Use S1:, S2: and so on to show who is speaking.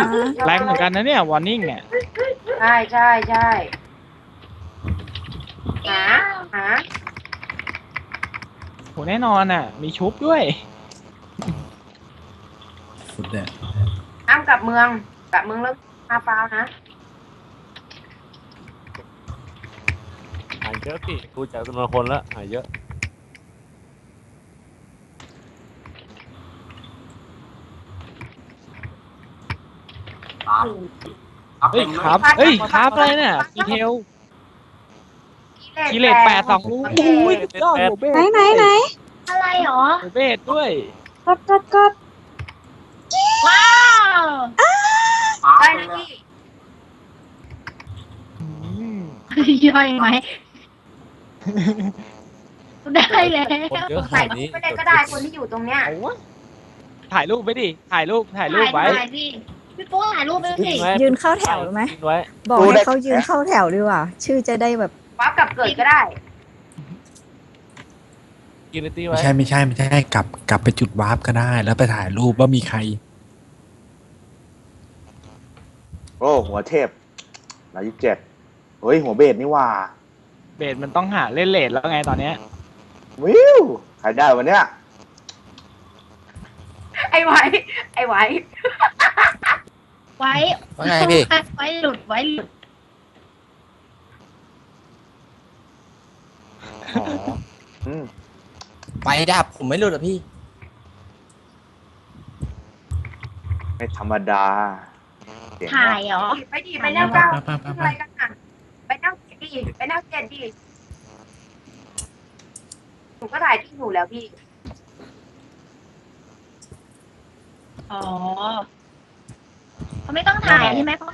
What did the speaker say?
S1: แรงเหมือนกันนะเนี่ยวอร์นิ่งเนี่ย
S2: ใช่ใช่ใช่หาหา
S1: โหแน่นอนอ่ะ มีชุบด้วย
S3: สุดเด็ด
S2: ห้ามกลับเมืองแล้วมาฟาวนะ
S4: หายเยอะพี่ดูจากจำนวนคนแล้วหายเยอะ
S1: เฮ้ยครับเฮ้ยครับอะไรเนี่ยดีเทลกิเลส8 2ลูกโอ้ยสุดยอดโหเบส
S5: ไหน
S6: อะไรหรอ
S1: โหเบสด้วย
S5: กด
S6: ว้าว
S2: ได้นะพี่
S1: อืม
S6: ย่อยไหมได้แล้ว
S4: คนเยอะข
S2: ใส่
S4: นาดนี้
S2: ไม่ได้ก็ได้คนที่อยู่ตรงเนี้ย
S1: เอาวะถ่ายรูปไปดิถ่ายรูปไว้
S6: ถ่ายพี่พี่โป้ถ่ายรูปไปสิ
S5: ยืนเข้าแถวไหม
S4: ทิ้งไว้
S5: บอกให้เขายืนเข้าแถวดีกว่า ชื่อจะได้แบบ
S2: วับกลับเกิดก็ได้
S4: กินเลยตี
S3: ไม่
S4: ไว้
S3: ใช่กลับไปจุดวาร์ปก็ได้ แล้วไปถ่ายรูปว่ามีใคร
S7: โอ้หัวเทพ127เฮ้ยหัวเบสนี่ว่า
S1: เบสมันต้องหาเล่นเลทแล้วไงตอนเนี้ย
S7: วิวใครได้วันเนี้ย
S2: ไอ้ไว้
S6: ไว้
S8: ว่าไงพี่
S6: ไว้หลุด
S1: อ๋อ
S7: อืม
S8: ไปดับผมไม่หลุดอ่ะพี่
S7: ไม่ธรรมดาเสียง
S6: ถ่ายเหรอ
S2: ไปดิไปแนวเก้า
S3: ไป
S2: อะไรกันอ่ะไปแนวเจ็ดดิไปแนวเจ็ดดิหนูก็ถ่ายที่หนูแล้วพี่
S6: อ๋อเขาไม่ต้องถ่ายใช่ไหมเพราะ